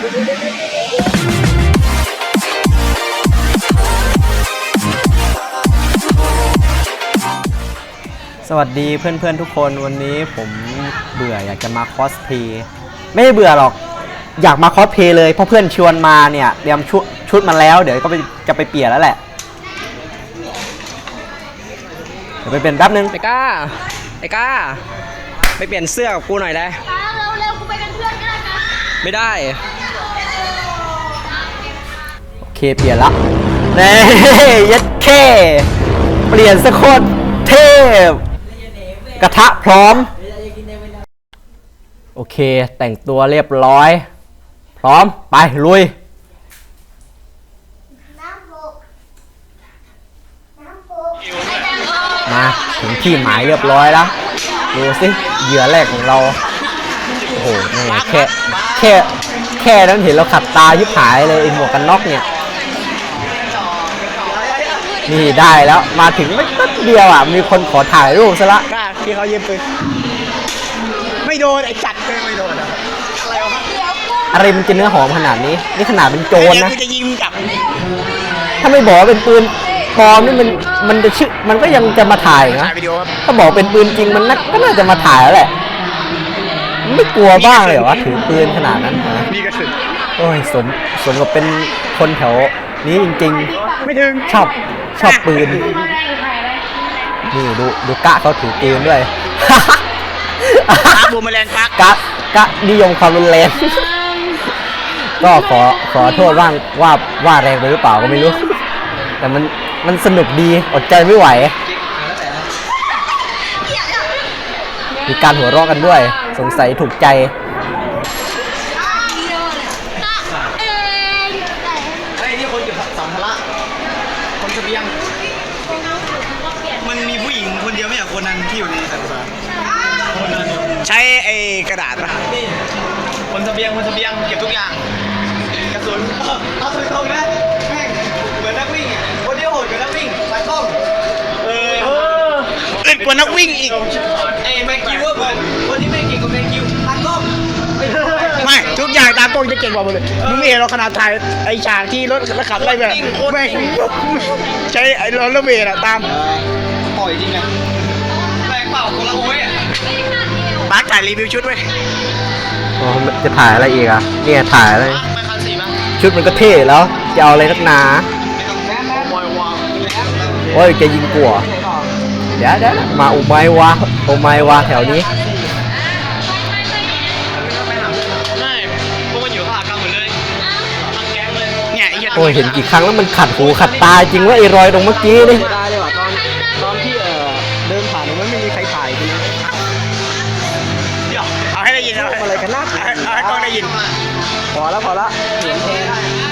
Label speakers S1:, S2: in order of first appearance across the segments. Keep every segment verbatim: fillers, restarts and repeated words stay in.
S1: สวัสดีเพื่อนๆทุกคนวันนี้ผมเบื่ออยากจะมาคอสเพย์ไม่ได้เบื่อหรอกอยากมาคอสเพย์เลยเพราะเพื่อนชวนมาเนี่ยเตรียมชุดชุดมาแล้วเดี๋ยวก็จะไปเปลี่ยนแล้วแหละเดี๋ยวไปเปลี่ยนแป๊บนึงไอ้ก้าไอ้ก้าไปเปลี่ยนเสื้อกับกูหน่อยได้
S2: เร็วเร็วกูไปเป็นเพื่อนก็ได้นะ
S1: ไม่ได้โอเคเปลี่ยนละเน่ยัดแค่เปลี่ยนสักคนเทพกระทะพร้อมโอเคแต่งตัวเรียบร้อยพร้อมไปลุยมาถึงที่หมายเรียบร้อยแล้วดูสิเหยื่อแรกของเราโอ้โหนี่แค่แค่แค่นั้นเห็นเราขัดตายิบหายเลยไอ้หมวกกันน็อกเนี่ยนี่ได้แล้วมาถึงไม่แป๊บเดียวอ่ะมีคนขอถ่ายรูปซะละ
S3: กล้าที่เขายิงปืนไม่โดนไอ้จัดเลยไม่โดนอะไรวะ
S1: อะไรมันจะเนื้อหอมขนาดนี้นี่ขนาดเป็นโจรนะ
S3: จะยิงกลับ
S1: ถ้าไม่บอกเป็นปืนปลอมนี่มันมันจะชื่อมันก็ยังจะมาถ่ายนะถ้าบอกเป็นปืนจริงมันก็น่าจะมาถ่ายแล้วแหละไม่กลัวบ้างเลยเหรอวะถือปืนขนาดนั้นนะ
S3: นี่ก็ถึง
S1: โอ้ยสมสมกับเป็นคนแถวนี้จริง
S3: ๆไม่ถึง
S1: ชอบชอบปืนนี่ดูดูกะเขาถือปืนด้วย
S3: กะบูมแมลงปัก
S1: กะกะนิยมความรุนแรงก็ขอขอโทษว่างว่าว่าแรงไปหรือเปล่าก็ไม่รู้แต่มันมันสนุกดีอดใจไม่ไหวมีการหัวเราะกันด้วยสงสัยถูกใจ
S3: ไอ้นี่คนเก็บสัมภาระคนเสบียงมันมีผู้หญิงคนเดียวไม่ใช่คนนั้นที่อยู่ในสัมภาระใช้ไอ้กระดาษป่ะคนเสบียงคนเสบียงเก็บทุกอย่างกระสุนเอาสุนตรงนะแม่งเหมือนนักวิ่งอ่ะคนเดียวโหดกว่านักวิ่งไปต้องเออเล่นกว่านักวิ่งอีกไอ้แม็กคิวว่าคนที่ไม่เก่งกว่าแม็กคิวตากล้องไม่ทุกอย่างตากล้องจะเก่งกว่าหมดเลยมึงไม่เห็นเราขนาดถ่ายไอ้ฉากที่รถขับอะไรแบบแม่งใช้ไอ้รถระเบิดอะตามปล่อยจริงอะแรงเปล่าคนละโอ้ยอะบักถ่ายรีวิวชุดไว้
S1: อ๋อจะถ่ายอะไรอีกอ่ะเนี่ยถ่ายอะไรชุดมันก็เท่แล้วจะเอาอะไรนักหนาโอ้ยจะยิงกลัวเดี๋ยวเดี๋ยวมาอุไมวะอุไมวะแถวนี้โอ้ยเห็นกี่ครั้งแล้วมันขัดหูขัดตาจริงว่าไอ้รอยตรงเมื่อกี้นี่ได้เลยว่ะตอนตอนที่เออเดินผ่านมันไม่มีใครถ่ายจริง
S3: เอาให้ได้ยินเอา
S1: อะไรกันนะ
S3: เอาให้กล้องได้ยิน
S1: พอแล้วพอแล้วเห็นเอง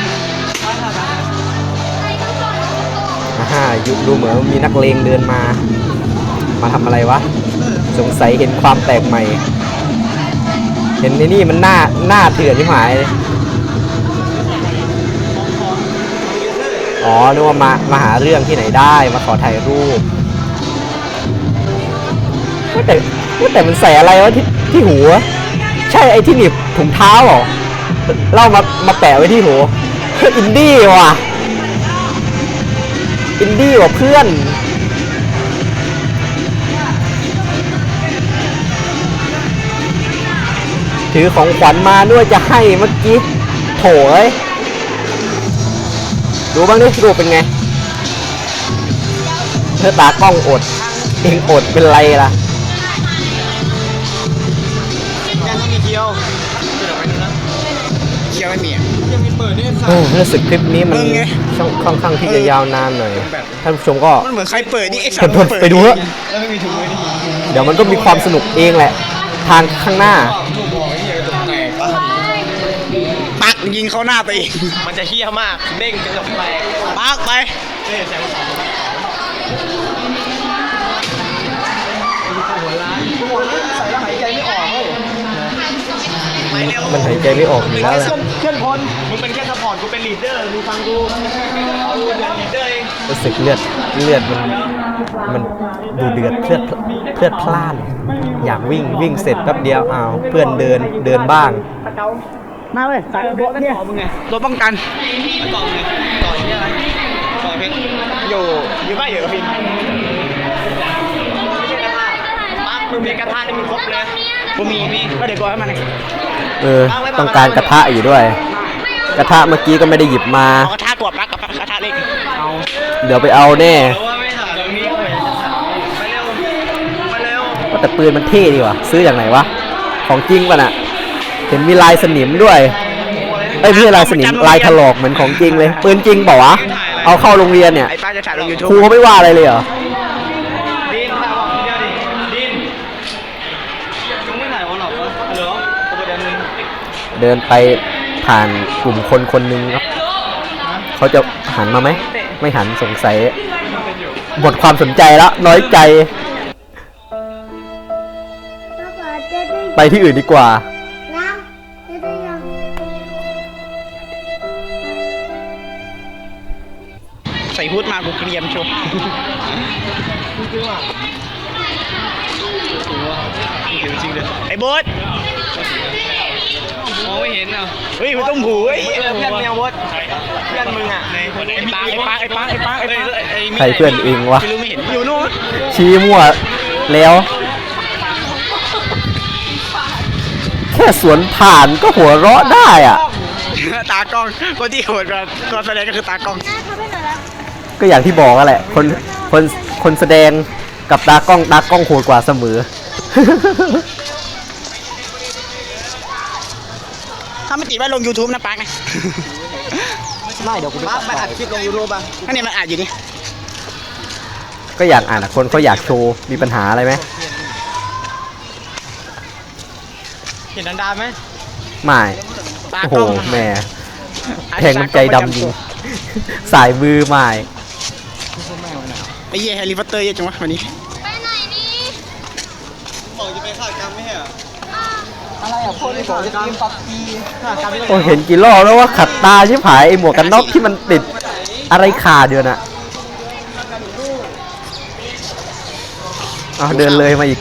S1: ฮ่ายุดูเหมือนมีนักเลงเดินมามาทำอะไรวะสงสัยเห็นความแปลกใหม่เห็นในนี่มันหน้าหน้าเถื่อนที่หมายอ๋อนึกว่ามามาหาเรื่องที่ไหนได้มาขอถ่ายรูปว่าแต่ว่าแต่มันใส่อะไรวะที่ที่หัวใช่ไอ้ที่หนีบถุงเท้าเหรอเล่ามามาแปะไว้ที่หัวอินดี้ว่ะอินดี้ว่ะเพื่อนถือของขวัญมาด้วยจะให้เมื่อกี้โถ่เอ้ยดูบ้างดิรูปเป็นไงเธอตากล้องอดเองอดเป็นไรล่ะ
S3: ยังไม่มีเคียวเคียวไม่มียังมีเปิดเนี่ย
S1: รู้สึกคลิปนี้มันช่องค่อนข้างที่จะยาวนานหน่อยท่านผู้ชมก็
S3: มันเหมือนใครเปิดนี่ไอ้สั
S1: ตว์ไปดูเถอะเดี๋ยวมันก็มีความสนุกเองแหละทางข้างหน้า
S3: ปักยิงเข้าหน้าไปเองมันจะเฮี้ยมากเด้งจนแบบแตกปักไป
S1: มันหายใจไม่ออกอยู่แล้วแหละ
S3: เคลื่อนพลมึงเป็นแค่ซัพพอร์ตกูเป็นลีดเดอร์มึงฟังกูเอาเดือดลีดเดอร์เอง
S1: รู้สึกเลือดเลือดมันมันดูเดือดเลือดเลือดพล่านอยากวิ่งวิ่งเสร็จแป๊บเดียวอ้าวเพื่อนเดินเดินบ้าง
S3: มาเลยสายโบเนี่ยมึงไงตัวป้องกันต่อมึงไงต่ออย่างนี้อะไรต่อเพชรอยู่อยู่บ้านอยู่กับพินปังมึงมีกระทะนี่มึงครบเลยกูมีมีก็เดี๋ยวกูให้มัน
S1: เออต้องการกระทะอยู่ด้วย กระทะเมื่อกี้ก็ไม่ได้หยิบมา
S3: กระทะตัวปลั๊กกับกระทะเล็กเอา
S1: เดี๋ยวไปเอาแน่
S3: ว่าไม่ถ่ายตรงนี้ไปเร็วไปเร็ว
S1: ว่าแต่ปืนมันเท่ดีว่ะซื้ออย่างไหนวะของจริงป่ะน่ะเห็นมีลายสนิมด้วยไอ้ยไม่ใช่ลายสนิมลายถลอกเหมือนของจริงเลยปืนจริงเปล่าวะเอาเข้าโรงเรียนเนี่ย
S3: ไอ้ป้าจะถ่ายลงยูทูบ
S1: ครูเขาไม่ว่าอะไรเลยเหรอ
S3: ดินถ่ายบอกเดียวดิดินมึงไม่ถ่ายวอลหรอกเหรอเหรอตัวเดียวนึง
S1: เดินไปผ่านกลุ่มคนคนหนึ่งครับเขาจะหันมาไหมไม่หันสงสัยหมดความสนใจแล้วน้อยใจ ไปที่อื่นดีกว่า
S3: ใส่ฮูดมากูเกรียมโชว์จริงเลยไอ้โบ๊ทมองไม่เห็นอ่ะเฮ้ยมันต้องหูเฮ้ยเพื่อนแมวโบ๊ทเพื่อนมึงอ่ะไอ้ปาไอ้ปาไอ้ปาไอ้ปาไอ้ปาไอ้
S1: ใครเพื่อนเองวะ
S3: ไม่รู้ไม่เห็นอยู่นู่น
S1: ชี้มั่วแล้ว แค่สวนผ่านก็หัวเราะได้อ่ะ
S3: ตากล้องคนที่โหดกว่าตัวแสดงก็คือตากล้อง
S1: ก็อย่างที่บอกกันแหละ คนคนคนแสดงกับตากล้องตากล้องโหดกว่าเสมอ
S3: ถ้าไม่ติดว่าลง YouTube นะปักนะ
S1: ไม่เดี๋ยวกูไปไปอัดคลิปลงยูทูบอ่ะ
S3: อันนี้มันอ่านอยู่นี่
S1: ก็อยากอ่านอ่ะคนเขาอยากโชว์มีปัญหาอะไรไหม
S3: เห็นดันดาไหม
S1: ไม่โอ้โหแหม่แทงน้ำใจดำจริงสายมือไม่
S3: ไอ้เหี้ยแฮร์รี่พอตเตอร์เยอะจังวะวันนี้
S2: ไปไหนนี่
S3: บอกจะไปฆ่ากรรมไม่ใช่เหรอ
S2: อะไรอ่ะ
S3: คนที่บอกจะกินปับปีฆ่ากรรมไม่
S1: โอ้เห็นกี่รอบแล้วว่าขัดตาชิบหายไอหมวกกันน็อกที่มันติดอะไรขาดเดือนอะเอาเดินเลยมาอีก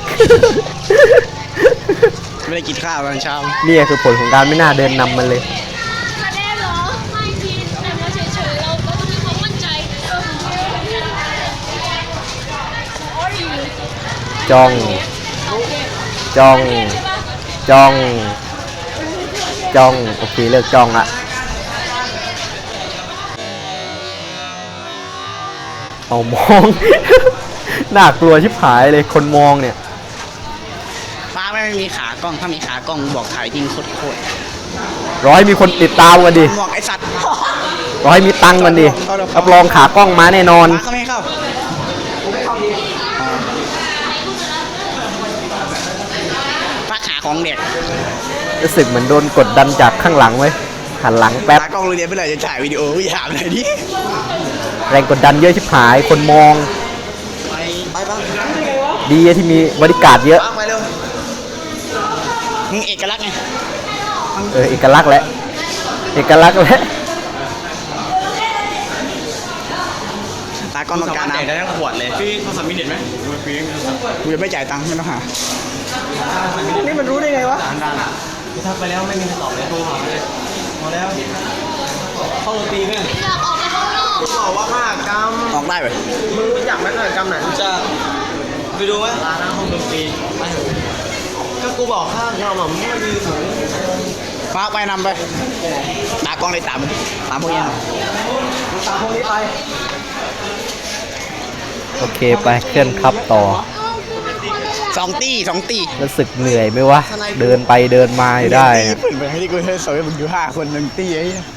S3: ไม่ได้กินข้าวตอนเช้า
S1: นี่คือผลของการไม่น่าเดินนำมันเลย
S2: มาได้เหรอไม่ทีแต่เราเฉยๆเราเรามีความมั่นใจ
S1: จ้อง จ้อง จ้อง จ้อง โอเคเลิกจ้องละเอามอง น่ากลัวชิบหายเลยคนมองเนี่ย
S3: ป้าไม่มีขากล้องถ้ามีขากล้องบอกถ่ายจริงโคตรโคตร
S1: ร้อยมีคนติดตามกันดิ
S3: หมวกไอสัตว์
S1: ร้อยมีตังค์กันดิรับรองขากล้องมาแน่นอน
S3: ป้าเขาไม่เข้าป้าขาของเด็ก
S1: รู้สึกเหมือนโดนกดดันจากข้างหลังไว้ยหันหลังแป๊บ
S3: ตากล้องโรงเรียนไปเลยจะถ่ายวิดีโอวิหามอะไรดิ
S1: แรงกดดันเยอะชิบหาย คนมอง
S3: ไปบ้าง
S1: ดีที่มีบริการดเยอะ
S3: ไปเร็วมึงเอกลักษณ์ไง
S1: เออเอกลักษณ์แหละเอกลักษณ์แหละ
S3: ตากล้องต้องการน้ำได้ทั้งขวดเลยพี่โทรศัพท์มีเน็ตไหมกูจะไม่จ่ายตังค์ไม่ต้องหานี่มันรู้ได้ไงวะทักไปแล้วไม่มีคำตอบเลยโทรหาเลยพอแล้วเข้าดนตรีไหม
S2: อยากออกไปข้างนอก
S3: บอกว่ามากกรรมออกได้ไหมมึงรู้จักไหมกรรมไหนจะไปดูไหมร้านห้องดนตรีก็กูบอกข้างเราหม่อมไม่ยืนหนูมาไปนำไปตากล้องเลยตามตามพวกนี้ตามพวกนี้ไป
S1: โอเคไปเคลื่อนครับต่อ
S3: สองตีสองตี
S1: รู้สึกเหนื่อยไหมวะ เดินไปเดินมาอยู่ได้
S3: ตีปืนไปให้ที่กูให้สวยมึงอยู่ห้าคนหนึ่งตีไอ้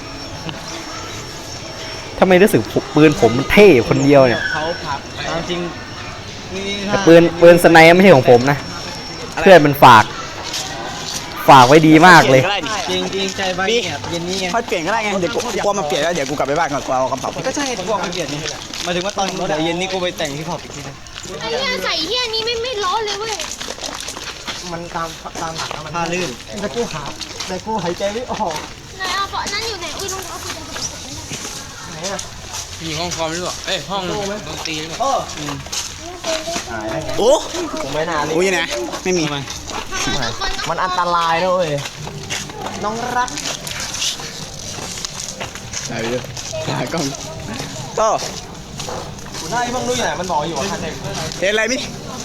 S1: ถ้าไม่รู้สึกปืนผมมันเท่คนเดียวเนี่ย
S3: เขาผักจริง
S1: แต่ปืนปืนสไนไม่ใช่ของผมนะ เพื่อนมันฝาก ฝากไว้ดีมากเลย
S3: จริงจริงใจบ้างเนี่ยเย็นนี้ไงค่อยเปลี่ยนก็ได้ไงเดี๋ยวกูกลัวมาเปลี่ยนแล้วเดี๋ยวกูกลับไปบ้านก่อนกูเอากระเป๋าก็ใช่กูบอกมาเปลี่ยนนี่หมายถึงว่าตอนเดี๋ยวเย็นนี้กูไปแต่งที่พอปอีกทีนึง
S2: ไอ้เหี้ยใส่เหี้ยนี้ไม่ไม่ร้อนเลยเว้ย
S3: มันตามตามหลักมันผ้าลื่นแต่กูหาแต่กูหายใจไม่ออก
S2: ไหนเอาเบาะนั่นอยู่ไหนอุ้ยรองเท้าคุณจะ
S3: ไหนอะ
S4: อยู่ห้องคอมหรือเปล่าเอ้ยห้องดนตรีหรือเปล่า
S3: โอ้โอ้ผมไม่นานโอ้ยนะไม่มีมัน
S2: มัน
S3: มันอันตรายนะเว้ยน้องรักถ่ายไปเลยถ่ายกล้องโต้คุณได้บ้างด้วยไหนมันบอกอยู่ว่าคันเด็กเห็นอะไรมิ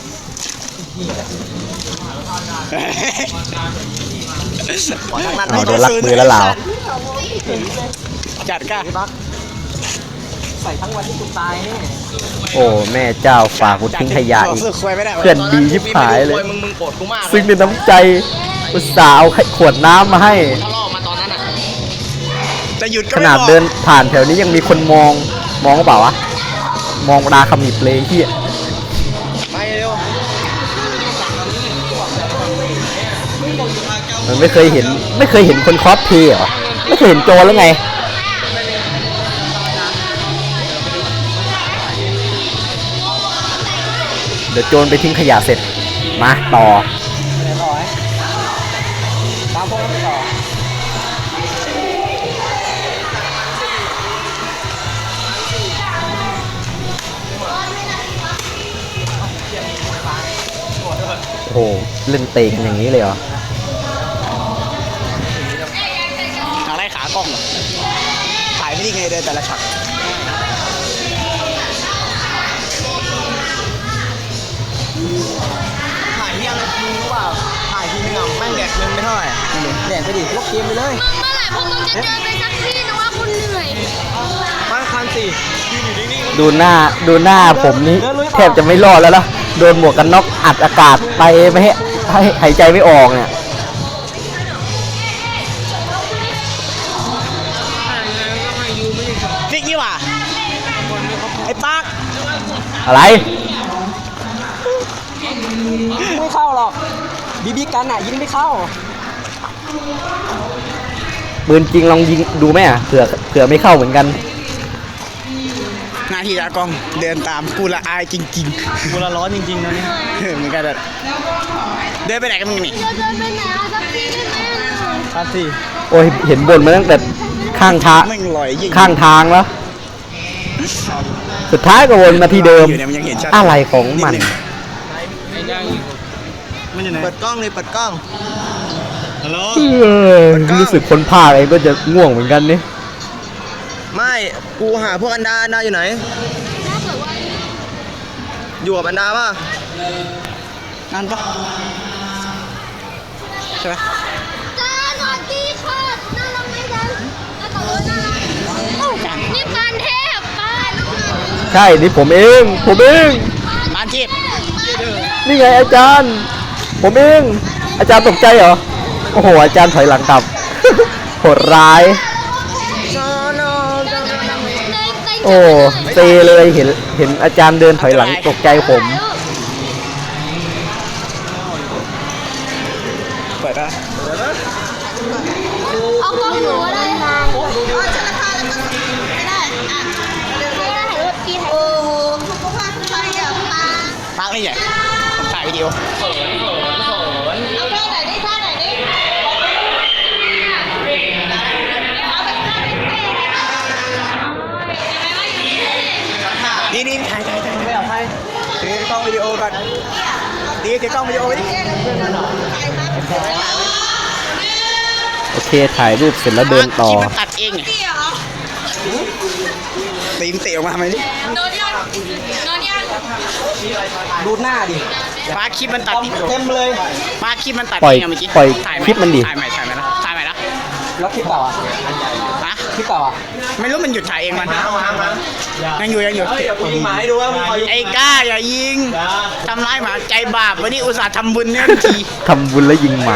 S1: เอาโดนลักมือแล้วเหล่า
S3: จัดก้า
S4: ใส่ทั้งวันที่กูตายนี่
S1: โอ้แม่เจ้าฝากกูทิ้งขยะอีกเพื่อนดียิบหายเลย
S3: มึงมึงโกรธกูมาก
S1: ซึ่งเป็นน้ำใจอุตส่าห์เอาขวดน้ำมาให้
S3: ถ้าล่อมาตอนนั้นอ่ะจะหยุดก็
S1: ขนาดเดินผ่านแถวนี้ยังมีคนมองมองก็เปล่าวะมองราคำหนีบเลยเฮีย
S3: ไปเร็ว
S1: มันไม่เคยเห็นไม่เคยเห็นคนคอสเพลย์เหรอไม่เคยเห็นโจรแล้วไงเดี๋ยวโจรไปทิ้งขยะเสร็จมาต่อ
S4: ตามพวกนั้นไปต่อ
S1: โอ้โหเล่นเตะกันอย่างนี้เลยเหรอ
S3: อะไรขากล้องเหรอถ่ายไม่ได้ไงเดินแต่ละฉากถ่ายที่ยังมึงรู้เปล่าถ่ายทีนึงอ่ะแม่งแดกเงินไม่เท่าไหร่แดกไปดิลบเกมไปเลย
S2: เมื่อไหร่พวกมึงจะเดินไปสักที่นะว่าคุณเหนื่อย
S3: บ้านคันสี่ยืนอยู่นิ่ง
S1: ดูหน้าดูหน้าผมนี้แทบจะไม่รอดแล้วล่ะโดนหมวกกันน็อกอัดอากาศไปไม่ให้ให้หายใจไม่ออกเนี่ย
S3: ๆฟิกนี่หว่าไอ้ปาก
S1: อะไร
S4: ไม่เข้าหรอกบีบีกันอ่ะยิงไม่เข้า
S1: ปืนจริงลองยิงดูไหมอ่ะเผื่อเผื่อไม่เข้าเหมือนกัน
S3: หน้าที่ตากล้องเดินตามกูละอายจริงๆกูละร้อนจริงๆนะนี่เหมือนกันเลยเดินไปไหนกันมึงนี่
S2: จะเดินไปไหนอะสักที่ได้ไหมอะ
S3: คันสี่
S1: โอ้ยเห็นบนมาตั้งแต่ข้างทาง
S3: แม่งลอยยิ่ง
S1: ข้างทางแล้ว สุดท้ายก็วนมาที่เดิม
S3: อยู่เนี่ยมันยังเห็นชัด
S1: อะไรของมัน
S4: ไอ้ย่างอยู่
S3: มันอยู่ไหนเปิดกล้องเลยเปิดกล้องฮัลโหล
S1: เออรู้สึกคนภาคเองก็จะง่วงเหมือนกันนี่
S3: ไม่กูหาพวกอันดาอันดาอยู่ไหน
S2: ถ้าเกิดว่า
S3: อยู่กับอันดาป่ะนั่นปะใช่ไหม
S2: จ้าสวัสดีค่ะน่ารักไหมจ๊ะน่าต่อรถน่ารักโอ้นี่ปานเทพปานน้องหมา
S1: ใช่นี่ผมเองผมเอง
S3: บ้านทิพย์
S1: นี่ไงอาจารย์ ผมเองอาจารย์ตกใจเหรอโอ้โหอาจารย์ถอยหลังกลับ โหดร้าย โอ้เซเลยเห็นเห็นอาจารย์เดินถอยหลังตกใจผม
S3: เปิดอะ
S2: เอากล้องหนูอะไรคะอ๋อชนะคาแล้วก็ไม่ได้อ่ะไม่ได้ถ่ายรูปพี่ถ่ายโอ้โหสุขภาพใครอ่ะปา
S3: ปาร์คนี่ใหญ่ผมถ่ายวิดีโอ
S2: เอาท่าไหนดิท่าไหนดิเอาแบบท่าไหนดิ
S3: นี่นี่ถ่ายถ่ายถ่ายไม่เอาถ่ายถือกล้องวิดีโอก่อนดีถือกล้องวิดีโอไว้ดิ
S1: โอเคถ่ายรูปเสร็จแล้วเดินต่อ
S3: คลิปมันตัดเองไงตีนเตะออกมาไหมดิ
S2: โดนยังโดนยัง
S4: ดูหน้าดิ
S3: ปาร์คคลิปมันตัด
S4: เต็มเลย
S3: ปาร์คคลิปมันตัด
S1: ปล่อย
S3: เองอะเมื่อกี้
S1: ปล่อย
S3: ถ่ายไห
S1: คลิปมันดิ
S3: ถ่ายใหม่ถ่ายใหม่นะถ่ายใหม่นะ
S4: แล้วคลิปเก่าอ่ะ
S3: ฮะ
S4: คลิปเก่าอ่ะ
S3: ไม่รู้มันหยุดถ่ายเองมันยังอยู่ยังอยู่
S4: ยิงหมาให้ดูว่ามึง
S3: ไอ้ก้าอย่ายิงทำร้ายหมาใจบาปวันนี้อุตส่าห์ทำบุญเนี่ยที
S1: ทำบุญแล้วยิงหมา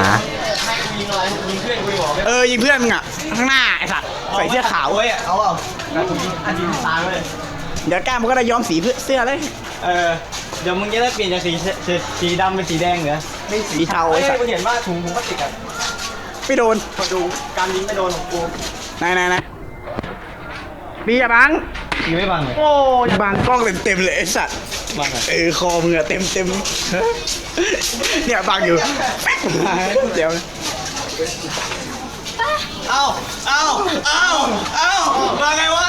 S3: เออยิงเพื่อนมึงอ่ะข้างหน้าไอ้สัตว์ใส่เสื้อขาวเว้ยเอาเปล่าอันยิงตายเลยเดี๋ยวก้ามันก็ได้ย้อมสีเสื้อเลยเออเดี๋ยวมึงจะได้เปลี่ยนจากสีสีดำเป็นสีแดงเหรอไม่สีเทาไอ้สัตว์กูเห็นว่าถุงถุงพลาสติกอ่ะไม่โดนมาดูการยิงไม่โดนของกูไหนไหนไหนมีอย่าบังยิงไม่บังเลยโอ้ยบังกล้องเต็มเต็มเลยไอ้สัตว์บังเออคอมึงอะเต็มเต็มเนี่ยบังอยู่เดี๋ยวเอาเอาเอาเอามาไงวะ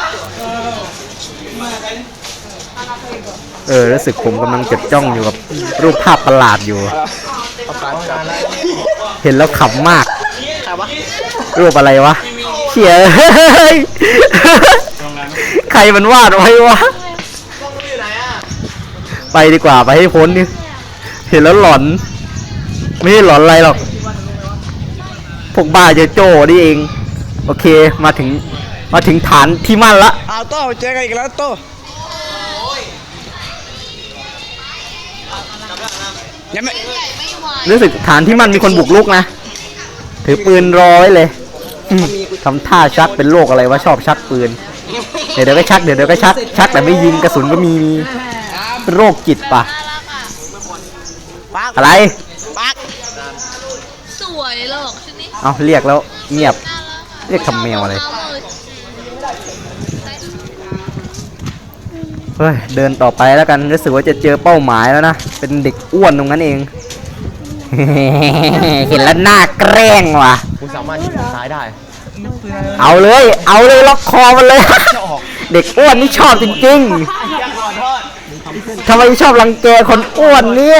S1: เออรู้สึกผมกำลังจดจ้องอยู่กับรูปภาพประหลาดอยู่ เห็นแล้วขำมาก
S3: ใครวะ
S1: รูปอะไรวะเฉียเฮ้ยใครมันวาดไว้วะไปดีกว่าไปให้พ้นนี่เห็นแล้วหลอนไม่ใช่หลอนอะไรหรอกพวกบ้าเจอโจ้นี่เองโอเคมาถึงมาถึงฐานที่มั่นละ
S3: อ้าวโต้เจอกันอีกแล้วโต้ยังไม่
S1: รู้สึกฐานที่มั่นมีคนบุกรุกนะถือปืนรอไว้เลยอืมทำท่าชักเป็นโรคอะไรวะชอบชักปืนเดี๋ยวเดี๋ยวก็ชักเดี๋ยวเดี๋ยวก็ชักชักแต่ไม่ยิงกระสุนก็มีเป็นโรคจิตปะอะไร
S3: ปัก
S2: สวยหรอกชุดนี้
S1: เอาเรียกแล้วเงียบเรียกทำแมวอะไรเฮ้ยเดินต่อไปแล้วกันรู้สึกว่าจะเจอเป้าหมายแล้วนะเป็นเด็กอ้วนตรงนั้นเอง เห็นแล้วน่าแกล้งว่ะ
S3: คุณสามารถยิงซ้ายได้
S1: เอาเลยเอาเลยล็อกคอมันเลย เด็กอ้วนนี่ชอบจริงๆทำไมชอบรังแกคนอ้วนเนี่ย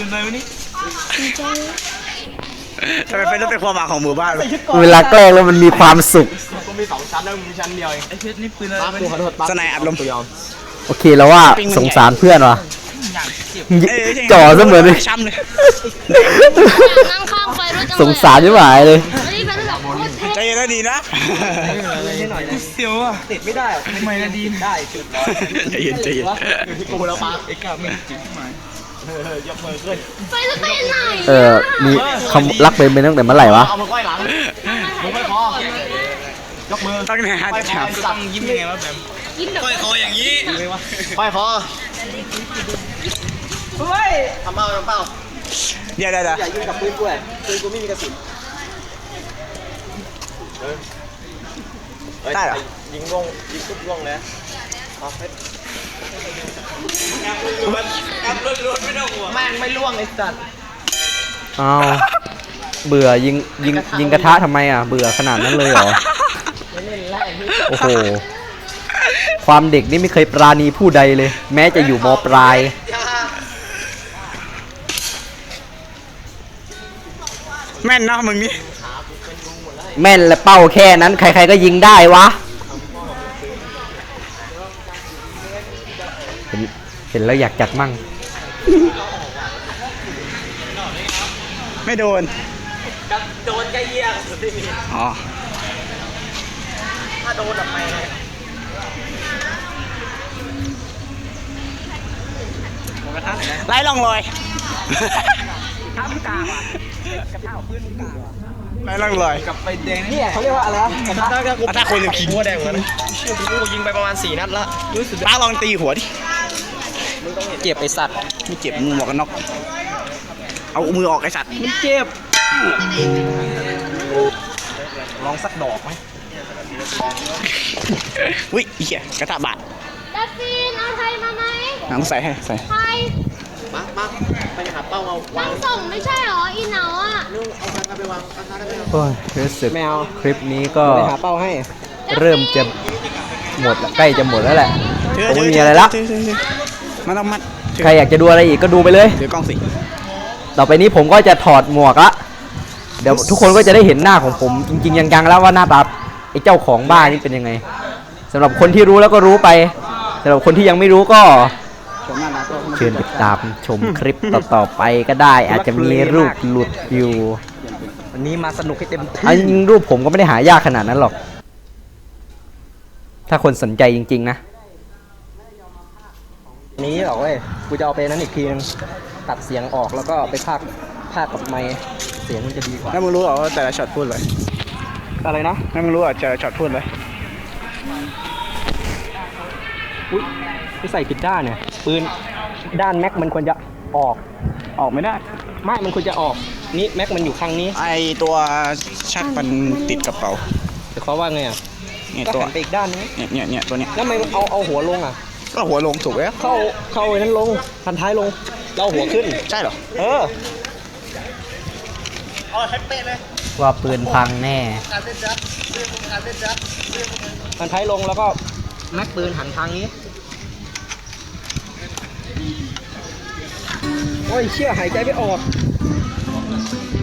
S3: ทำไมเป็นเรื่องเป็นความหวังของหมู่บ้านเลย
S1: เวลาแกล้งแล้วมันมีความสุข
S3: ก็มีสองชั้นแล้วมีชั้นเดียวเองไอ้เพชรนี่ปืนอะไรขอโทษสนายอัดลมตัวยอม
S1: โอเคแล้วว่าสงสารเพื่อนว่ะจ่อเสมอเลย
S3: ช้ำเลย
S2: นั่งข้างไฟรถจัง
S1: สงสารยิ่งหายเลย
S2: นี่เป็นแบบโคตรเท่
S3: ใจเย็นแล้วดีนะ
S4: เสียวอ่ะติดไม่ได้ทำไมนะดีได้จุด
S3: ใจเย็นใจเย็น
S4: ที่กูแล้วปาเอ็กซ์ไม่จุดที่หมาย
S2: ไฟจะไปไหน
S1: เออมีคำรักเป็นไปตั้งแต่เมื่อไหร่วะ
S3: เอามือก้อยหลังมือก้อยคอยกมือตั้งแต่หันจับตั้งยิ้มยังไงวะแบบก้อยคออย่างนี้ก้อยคอเฮ้ยทำเป้าทำเป้าเดี๋ยวเดี๋ยวเดี๋ยว
S4: อย่ายิงกับปืนกูเลยปืนกูไม่มีกระสุน
S3: ได้เหรอ
S4: ยิงลงยิงทุกล่วงเลย
S3: แม่งไม่ล่วงไอ้สัตว์
S1: อ้าวเบื่อยิงยิงยิงกระทะทำไมอ่ะเบื่อขนาดนั้นเลยเหรอโอ้โหความเด็กนี่ไม่เคยปราณีผู้ใดเลย แม้จะอยู่มปลาย
S3: แม่นเนาะมึงนี่
S1: แม่นและเป้าแค่นั้นใครๆก็ยิงได้วะเห็นเห็นแล้วอยากจัดมั่ง
S3: ไม่โดน
S4: โดนใกล้เยี่ยงสุดที่มี
S3: อ๋อ
S4: ถ้าโดนแบบไม่เลย
S3: ไล่ลองลอย
S4: ถ้ามึงกลางอ่ะกระเท้าปืนมึงกลางอ่ะ
S3: ไล่ลองลอย
S4: กับไปแดงเนี่ยเขาเรียกว่าอะไรนะกระทะ
S3: อ่ะถ้าคนจะขี่
S4: หัวแดงเหมือนกันเชื่อกูยิงไปประมาณสี่นัดละรู้สึก
S3: ป้าลองตีหัวดิ
S4: เจ็บไอสัตว์
S3: ไม่เจ็บมือหมวกกันน็อกเอามือออกไอ้สัตว์
S4: มันเจ็บลองสักดอกไหม
S3: อุ้ยเหี้ยกระทะบาด
S2: ดัฟฟินเอาไทยมาไหม
S3: หนังใส่ให้ใส่
S2: ไทย
S4: มามาไปหาเป้าเอา
S2: นั่งส่งไม่ใช่หรออีเหนาอ่ะ
S1: โอ้ยรู้สึก
S4: แมว
S1: คลิปนี้ก็
S4: ไปหาเป้าให้
S1: เริ่มจะหมดละใกล้จะหมดแล้วแหละ
S3: ถื
S1: ผมไม่
S3: ถื
S1: มีอะไรละ
S3: ถืถืถืมันต้องมัดถือ
S1: ใครอยากจะดูอะไรอีกก็ดูไปเลย
S3: ถือกล้องสิ
S1: ต่อไปนี้ผมก็จะถอดหมวกละเดี๋ยวทุกคนก็จะได้เห็นหน้าของผมจริงๆยังๆแล้วว่าหน้าตาไอ้เจ้าของบ้านนี่เป็นยังไงสำหรับคนที่รู้แล้วก็รู้ไปสำหรับคนที่ยังไม่รู้ก็
S3: ชมหน้าตาตัว
S1: เชิญติดตามชมคลิปต่อๆไปก็ได้ อาจจะมีรูปหลุดอยู่
S4: วันนี้มาสนุกให้เต็มที่
S1: อันจริงๆรูปผมก็ไม่ได้หายากขนาดนั้นหรอก ถ้าคนสนใจจริงๆนะ
S4: นี้หรอกเว้ยกูจะเอาไปนั้นอีกทีนึงตัดเสียงออกแล้วก็ไปพากพากกับไมค์เสียงมันจะดีกว่า
S3: แล้วมึงรู้เหรอว่าแต่ละช็อตพูดเลย
S4: อะไรนะ
S3: แล้วมึงรู้เหรอแต่ละช็อตพูดเลย
S4: อุ้ยไปใส่ผิดด้านเนี่ยปืนด้านแม็กมันควรจะออก
S3: ออกไม่ได้
S4: ไม่มันควรจะออกนี่แม็กมันอยู่ข้างนี้
S3: ไอตัวชักมันติดกระเป๋า
S4: แต่เขาว่าไงอ่ะ
S3: เนี่ย
S4: ก็
S3: ตัว
S4: หันไปอีกด้านนึง
S3: เนี่ยเนี่ยเนี่ยตัวเนี้ย
S4: แล้วทำไมเอาเอาหัวลงอ่ะ
S3: ก็หัวลงถูกแล้ว
S4: เข้าเข้าไอ้นั้นลงพันท้ายลงแล้วเอาหัวขึ้น
S3: ใช่เหรอ
S4: เออ
S1: ว่าปืนพังแน่
S4: พันท้ายลงแล้วก็แม็กปืนหันทางนี้โอ้ยเชี่ยหายใจไม่ออก